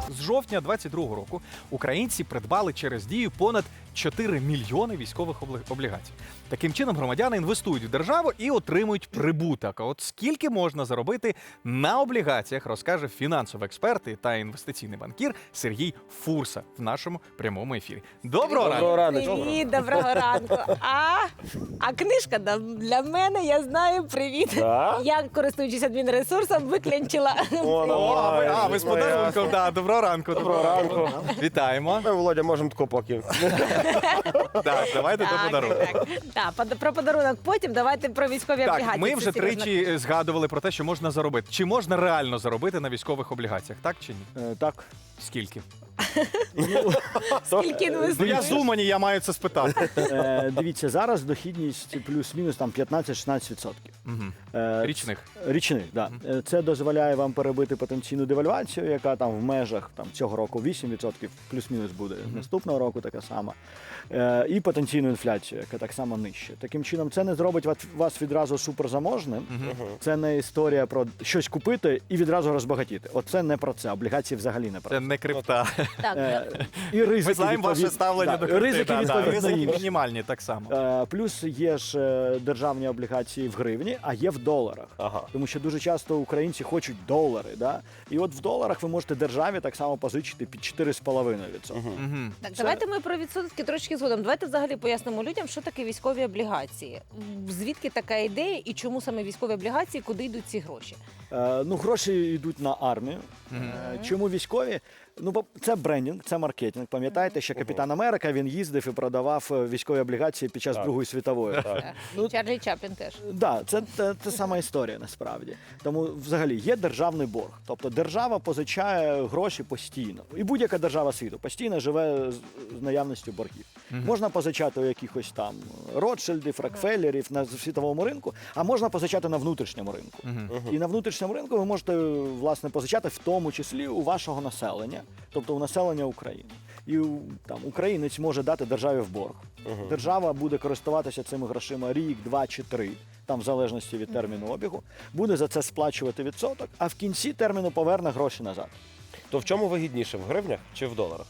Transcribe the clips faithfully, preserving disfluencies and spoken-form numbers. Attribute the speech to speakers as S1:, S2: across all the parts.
S1: З жовтня двадцять другого року українці придбали через Дію понад чотири мільйони військових обли- облігацій. Таким чином громадяни інвестують в державу і отримують прибуток. А от скільки можна заробити на облігаціях, розкаже фінансовий експерт та інвестиційний банкір Сергій Фурса в нашому прямому ефірі. Доброго ранку!
S2: Доброго ранку.
S3: Привіт, доброго ранку. А, а книжка да, для мене, я знаю, привіт.
S2: Да?
S3: Я, користуючись адмінресурсом, виклянчила.
S2: О, ну,
S1: О, а ви, а, ви з
S2: Ну,
S1: подарунком,
S2: ясно.
S1: да, доброго ранку.
S2: Доброго ранку.
S1: Вітаємо.
S2: Ми, Володя, можемо тако поки.
S1: Так, давайте до подарунку.
S3: Так, так. Так, про подарунок потім, давайте про військові облігації.
S1: Так, ми
S3: Це
S1: вже
S3: серйозно.
S1: тричі згадували про те, що можна заробити. Чи можна реально заробити на військових облігаціях, так чи ні?
S2: Е, Так.
S1: Скільки?
S3: Скільки
S1: Ну, я
S3: інвестуєш?
S1: з Умані, я маю це спитати.
S4: Е, Дивіться, зараз дохідність плюс-мінус там п'ятнадцять-шістнадцять відсотків.
S1: Мгм.
S4: Е,
S1: Річних.
S4: Річних, да. Е, Це дозволяє вам перебити потенційну девальвацію, яка там в межах там, цього року вісім відсотків, плюс-мінус буде. Наступного року така сама. Е, І потенційну інфляцію, яка так само нижче. Таким чином, це не зробить вас- вас відразу суперзаможним. Це не історія про щось купити і відразу розбагатіти. Оце не про це. Облігації взагалі не про
S1: Це
S4: це.
S1: не крипта.
S3: Так,
S4: Е, І ризики,
S1: Ми знаємо ваше
S4: відповід-
S1: ставлення
S4: да,
S1: до крипти.
S4: ризики,
S1: да, да,
S4: відповідно,
S1: ризики
S4: інші.
S1: мінімальні так само.
S4: Е, Плюс є ж е, державні облігації в гривні, а є в доларах.
S2: Ага.
S4: Тому що дуже часто українці хочуть долари. Да? І от в доларах ви можете державі так само позичити під чотири з половиною відсотки.
S1: Мгм.
S3: Так, давайте ми про відсотки трошки згодом. Давайте взагалі пояснимо людям, що таке військові облігації. Звідки така ідея і чому саме військові облігації, куди йдуть ці гроші?
S4: Е, Ну, гроші йдуть на армію.
S1: Мгм.
S4: Е, Чому військові? Ну, бо це брендінг, це маркетинг. Пам'ятаєте, що Капітан Америка він їздив і продавав е, військові облігації під час
S2: Так.
S4: Другої світової.
S2: Так.
S3: І Чарлі Чаплін теж.
S4: Да, це те, те сама історія насправді. Тому взагалі є державний борг. Тобто держава позичає гроші постійно. І будь-яка держава світу постійно живе з, з наявністю боргів. Можна позичати у якихось там Ротшильдів, Рокфеллерів на світовому ринку, а можна позичати на внутрішньому ринку. І на внутрішньому ринку ви можете власне позичати в тому числі у вашого населення, тобто у населення України. І там українець може дати державі в борг. Держава буде користуватися цими грошима рік, два чи три, там в залежності від терміну обігу, буде за це сплачувати відсоток, а в кінці терміну поверне гроші назад.
S2: То в чому вигідніше, в гривнях чи в доларах?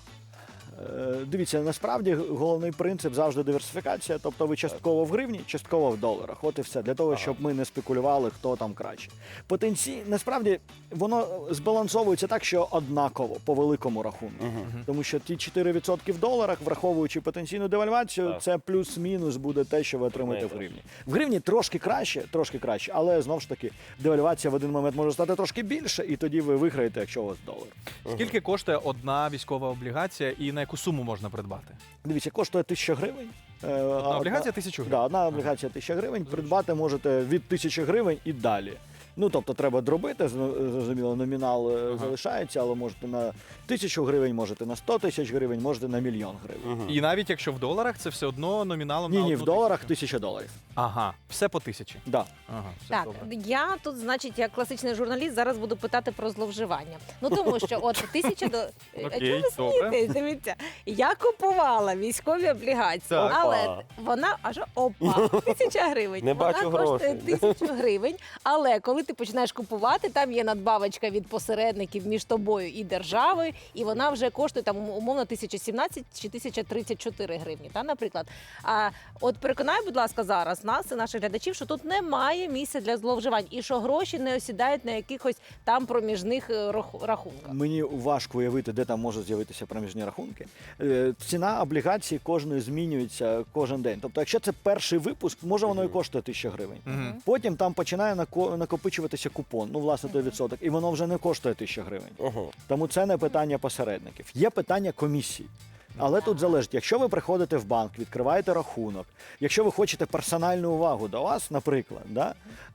S4: Е, Дивіться, насправді головний принцип завжди диверсифікація, тобто ви частково в гривні, частково в доларах. От і все, для того, щоб ми не спекулювали, хто там краще. Потенцій, насправді, воно збалансовується так, що однаково по великому рахунку. Тому що ті чотири відсотки в доларах, враховуючи потенційну девальвацію,
S2: Так.
S4: це плюс-мінус буде те, що ви отримаєте в
S2: Найкраще.
S4: гривні. В гривні трошки краще, трошки краще, але знову ж таки, девальвація в один момент може стати трошки більше, і тоді ви виграєте, якщо у вас долар.
S1: Скільки коштує одна військова облігація і на яку суму можна придбати?
S4: Дивіться, коштує тисяча гривень. Е, а
S1: Одна облігація тисячу гривень?
S4: Да, одна облігація тисяча гривень. Придбати можете від тисячі гривень і далі. Ну, тобто треба дробити, зно- зрозуміло, номінал е, залишається, але можете на тисячу гривень, можете на сто тисяч гривень, можете на мільйон гривень.
S1: І навіть якщо в доларах, це все одно номіналом
S4: Ні,
S1: на
S4: ні,
S1: одну
S4: в доларах
S1: тисячу.
S4: тисяча доларів.
S1: Ага, все по тисячі.
S4: Да.
S1: Ага, все
S3: Так,
S1: добре.
S3: я тут, значить, як класичний журналіст, зараз буду питати про зловживання. Ну тому що от тисяча до А
S1: Окей,
S3: чого ви
S1: добре.
S3: смієтесь? Дивіться, я купувала військові облігації,
S1: Так.
S3: але
S2: Опа.
S3: вона аж опа, тисяча гривень.
S2: Не
S3: вона
S2: бачу
S3: коштує
S2: грошей.
S3: тисячу гривень. Але коли ти починаєш купувати, там є надбавочка від посередників між тобою і державою, і вона вже коштує там умовно тисяча сімнадцять чи тисяча тридцять чотири гривні. Та, наприклад. А от переконай, будь ласка, зараз нас і наших глядачів, що тут немає місця для зловживань і що гроші не осідають на якихось там проміжних е, раху- рахунках.
S4: Мені важко уявити, де там можуть з'явитися проміжні рахунки. Е, Ціна облігації кожної змінюється кожен день. Тобто, якщо це перший випуск, може воно і коштує тисяча гривень.
S1: Мгм.
S4: Потім там починає нако- накопичуватися купон, ну, власне, той відсоток, і воно вже не коштує тисяча гривень.
S2: Угу.
S4: Тому це не питання посередників. Є питання комісій. Але тут залежить, якщо ви приходите в банк, відкриваєте рахунок, якщо ви хочете персональну увагу до вас, наприклад, да,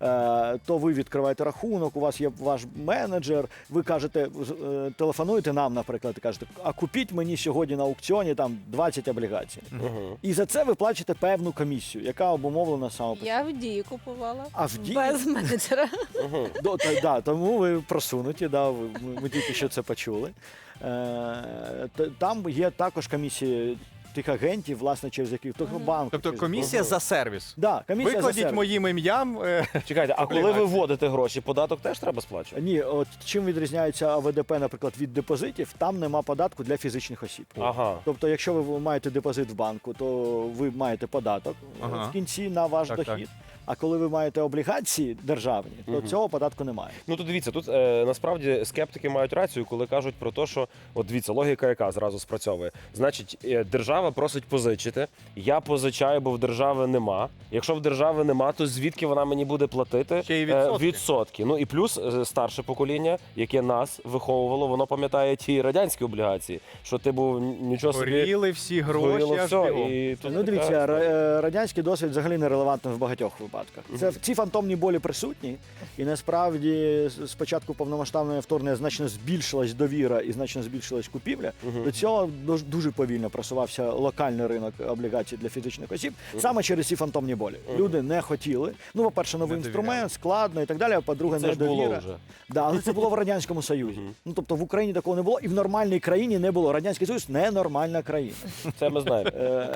S4: е, то ви відкриваєте рахунок, у вас є ваш менеджер, ви кажете, е, телефонуєте нам, наприклад, і кажете, а купіть мені сьогодні на аукціоні там двадцять облігацій.
S2: Угу.
S4: І за це ви плачете певну комісію, яка обумовлена саме.
S3: Я в дії купувала.
S4: А в Дії?
S3: Без менеджера.
S4: До, та, да, тому ви просунуті, да, ви- ми, ми тільки що це почули. Е, т- там є також комісії тих агентів, власне, через яких того банку.
S1: Тобто
S4: через-
S1: комісія за сервіс.
S4: Да, комісія за
S1: Викладіть
S4: сервіс.
S1: моїм ім'ям. е,
S2: Чекайте, а коли ви
S1: Облігації.
S2: вводите гроші, податок теж треба сплачувати?
S4: Ні, от чим відрізняється А В Д П, наприклад, від депозитів, там нема податку для фізичних осіб.
S2: Ага.
S4: Тобто, якщо ви маєте депозит в банку, то ви маєте податок е,
S1: Ага.
S4: в кінці на ваш
S1: Так,
S4: дохід. А коли ви маєте облігації державні, то
S2: Мгм.
S4: цього податку немає.
S2: Ну то дивіться, тут е, насправді скептики мають рацію, коли кажуть про те, що от дивіться, логіка яка зразу спрацьовує. Значить, е, держава просить позичити. Я позичаю, бо в держави нема. Якщо в держави нема, то звідки вона мені буде платити
S1: Ще й
S2: Е,
S1: відсотки.
S2: відсотки? Ну і плюс е, старше покоління, яке нас виховувало, воно пам'ятає ті радянські облігації, що ти був нічого собі.
S1: Горіли всі гроші,
S2: Згоріло
S1: аж
S2: все,
S1: бігом.
S2: і тут
S4: Ну, дивіться,
S2: така
S4: ра-
S2: історія.
S4: е, радянський досвід взагалі нерелевантний в багатьох випадках. Це ці фантомні болі присутні, і насправді з- спочатку повномасштабного вторгнення значно збільшилась довіра і значно збільшилась купівля.
S2: Мгм.
S4: До цього дуже- дуже повільно просувався локальний ринок облігацій для фізичних осіб, саме через ці фантомні болі. Люди не хотіли. Ну, по-перше, новий
S1: Не
S4: інструмент,
S1: довіряли.
S4: складно і так далі. А по-друге,
S2: Це ж було
S4: недовіра.
S2: вже.
S4: Да, але це було в радянському Союзі. Ну тобто в Україні такого не було, і в нормальній країні не було. Радянський Союз ненормальна країна.
S2: Це ми знаємо.
S4: Е,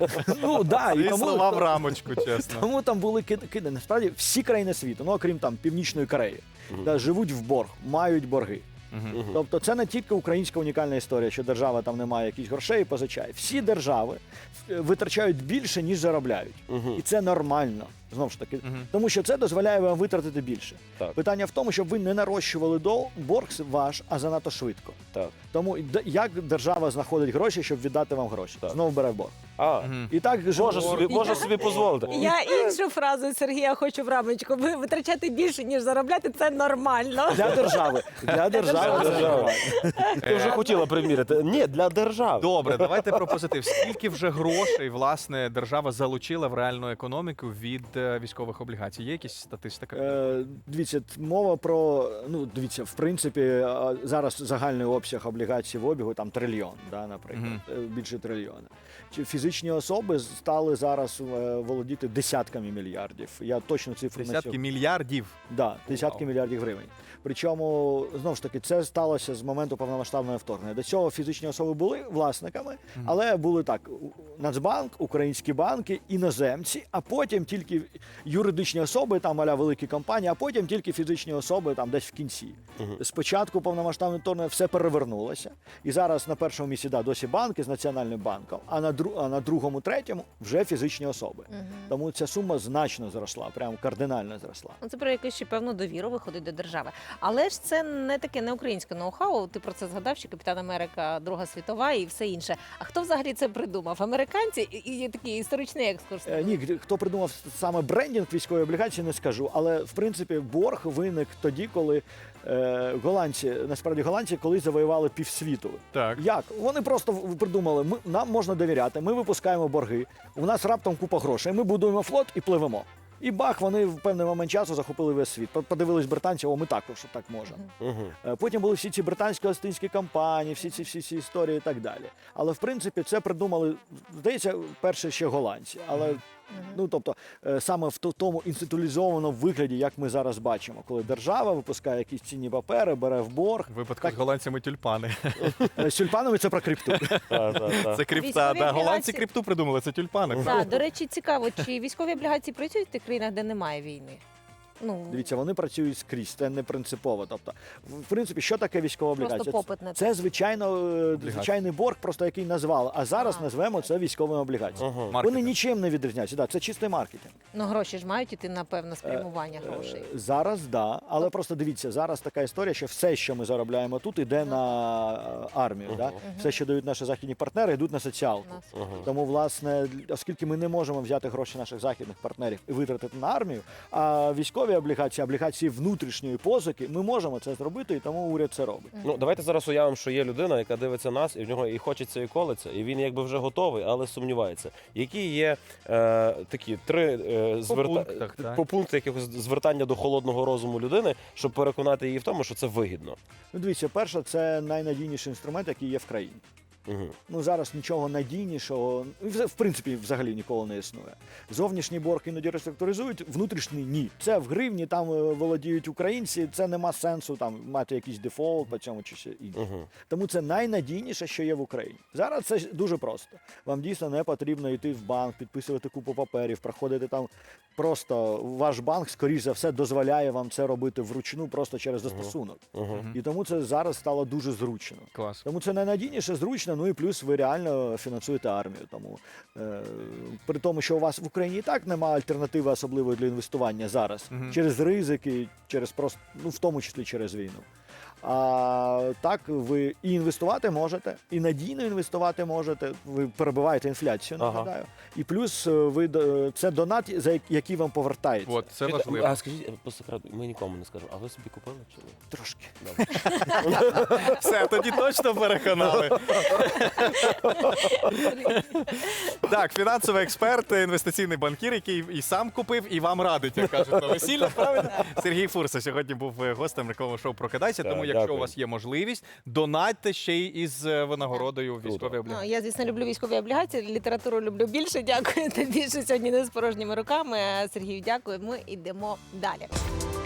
S4: Ну да, і
S1: Ці
S4: тому,
S1: слова в рамочку, чесно.
S4: тому там були кид- киди. Насправді всі країни світу, ну окрім там Північної Кореї, да, живуть в борг, мають борги.
S1: Мгм.
S4: Тобто це не тільки українська унікальна історія, що держава там не має якісь грошей і позичає. Всі держави е, витрачають більше, ніж заробляють.
S2: Мгм.
S4: І це нормально. Знову ж таки,
S1: Мгм.
S4: тому що це дозволяє вам витратити більше.
S2: Так.
S4: Питання в тому, щоб ви не нарощували до борг ваш, а занадто швидко.
S2: Так.
S4: Тому д- як держава знаходить гроші, щоб віддати вам гроші?
S2: Так.
S4: Знову бере в борг.
S2: А,
S1: Мгм.
S4: І так
S2: може
S4: жив-
S2: собі, може собі дозволити.
S3: Я іншу фразу Сергія хочу в рамочку. Ви витрачати більше, ніж заробляти, це нормально.
S4: для держави. Для держави.
S2: Для
S4: це
S2: держави.
S4: нормально.
S2: Ти вже хотіла приміряти. Ні, для держави.
S1: Добре, давайте про позитив. Скільки вже грошей власне держава залучила в реальну економіку від е, військових облігацій? Є якісь статистика?
S4: Е, Дивіться, т- мова про ну дивіться, в принципі, а, зараз загальний обсяг облігацій в обігу там трильйон, да, наприклад,
S1: Мгм.
S4: е, більше трильйона. Чи фізичні особи стали зараз е, володіти десятками мільярдів. Я точно цифру не
S1: Десятки
S4: сьогодні.
S1: мільярдів.
S4: Да, десятки
S1: Вау.
S4: мільярдів гривень. Причому знову ж таки це сталося з моменту повномасштабного вторгнення. До цього фізичні особи були власниками, але були так: у- Нацбанк, українські банки, іноземці, а потім тільки юридичні особи, там аля великі компанії, а потім тільки фізичні особи там десь в кінці. Спочатку повномасштабного вторгнення все перевернулося, і зараз на першому місці да, досі банки з національним банком, а на дру, а на другому, третьому вже фізичні особи. Тому ця сума значно зросла, прям кардинально зросла.
S3: Ну, це про якусь ще певну довіру виходить до держави. Але ж це не таке не українське ноу-хау. Ти про це згадав, що Капітан Америка, Друга світова і все інше. А хто взагалі це придумав? Американці і, і такий історичний екскурс.
S4: Е, Ні, хто придумав саме брендінг військової облігації, не скажу. Але в принципі борг виник тоді, коли е, голландці, насправді голландці, колись завоювали півсвіту.
S1: Так.
S4: Як? Вони просто в- придумали, ми, нам можна довіряти, ми випускаємо борги, у нас раптом купа грошей, ми будуємо флот і пливемо. І бах, вони в певний момент часу захопили весь світ. По- Подивились британці, о, ми також так можемо.
S2: Мгм.
S4: Е, Потім були всі ці британсько-остинські компанії, всі ці всі ці історії і так далі. Але в принципі це придумали, здається, перше ще голландці. Але ну тобто е, саме в то- тому інституалізованому вигляді, як ми зараз бачимо, коли держава випускає якісь цінні папери, бере в борг.
S1: В випадку
S4: Так.
S1: з голландцями тюльпани.
S4: Е, З тюльпанами це про крипту.
S2: Так, так, так.
S1: Це крипта.
S3: Військові
S1: Да, голландці
S3: облігації.
S1: крипту придумали, це тюльпани.
S3: Так, до речі, цікаво, чи військові облігації працюють в тих країнах, де немає війни? Ну,
S4: Дивіться, вони працюють скрізь, це не принципово. Тобто, в принципі, що таке військова
S3: Просто
S4: облігація?
S3: попит на це.
S4: Це звичайно е, звичайний борг, просто який назвали. А зараз
S3: А.
S4: назвемо це військовими облігаціями.
S2: Ага.
S1: Маркетинг.
S4: Вони нічим не відрізняються. Да, це чистий маркетинг.
S3: ну гроші ж мають іти на певне спрямування грошей.
S4: Е, Зараз да, але просто дивіться, зараз така історія, що все, що ми заробляємо тут, іде на е, армію. Да? Все, що дають наші західні партнери, йдуть на соціалку.
S3: У нас.
S2: Ага.
S4: Тому, власне, оскільки ми не можемо взяти гроші наших західних партнерів і витратити на армію, а військові облігації, облігації внутрішньої позики, ми можемо це зробити, і тому уряд це робить.
S2: Ну, давайте зараз уявимо, що є людина, яка дивиться нас, і в нього і хочеться, і колеться, і він якби вже готовий, але сумнівається. Які є е, такі три е, зверта...
S1: пунктах, так.
S2: по пункту якихось звертання до холодного розуму людини, щоб переконати її в тому, що це вигідно.
S4: Ну, дивіться, перше, це найнадійніший інструмент, який є в країні.
S2: Угу.
S4: Ну, зараз нічого надійнішого, і в в принципі, взагалі ніколи не існує. Зовнішній борг іноді реструктуризують, внутрішній ні. Це в гривні, там е, володіють українці, це нема сенсу там мати якийсь дефолт по цьому чи ще інше.
S2: Угу.
S4: Тому це найнадійніше, що є в Україні. Зараз це дуже просто. Вам дійсно не потрібно йти в банк, підписувати купу паперів, проходити там. Просто ваш банк, скоріш за все, дозволяє вам це робити вручну просто через застосунок.
S2: Угу.
S4: І тому це зараз стало дуже зручно.
S1: Клас.
S4: Тому це найнадійніше, зручно, ну і плюс ви реально фінансуєте армію. Тому е, при тому, що у вас в Україні і так немає альтернативи особливої для інвестування зараз
S1: Мгм.
S4: через ризики, через просто, ну в тому числі через війну. А так ви і інвестувати можете, і надійно інвестувати можете. Ви перебиваєте інфляцію,
S2: Ага.
S4: нагадаю. І плюс е, ви до- це донат, за як- який вам повертається.
S1: От, це
S2: Чуєте,
S1: важливо.
S2: А скажіть, по секрету, ми нікому не скажемо, а ви собі купили чи ні?
S4: Трошки.
S2: Добре.
S1: Все, тоді точно переконали. Так, фінансовий експерт, інвестиційний банкір, який і сам купив, і вам радить, як кажуть на весілля, правильно? Сергій Фурса сьогодні був гостем рекламного шоу «Прокидайся»,
S2: Так,
S1: тому якщо
S2: дякую.
S1: у вас є можливість, донатьте ще й із е, винагородою
S2: Круто.
S1: військові
S3: Ну,
S1: облігації.
S3: я, звісно, люблю військові облігації, літературу люблю більше. Дякую тобі, що сьогодні не з порожніми руками. Сергію, дякую. Ми йдемо далі.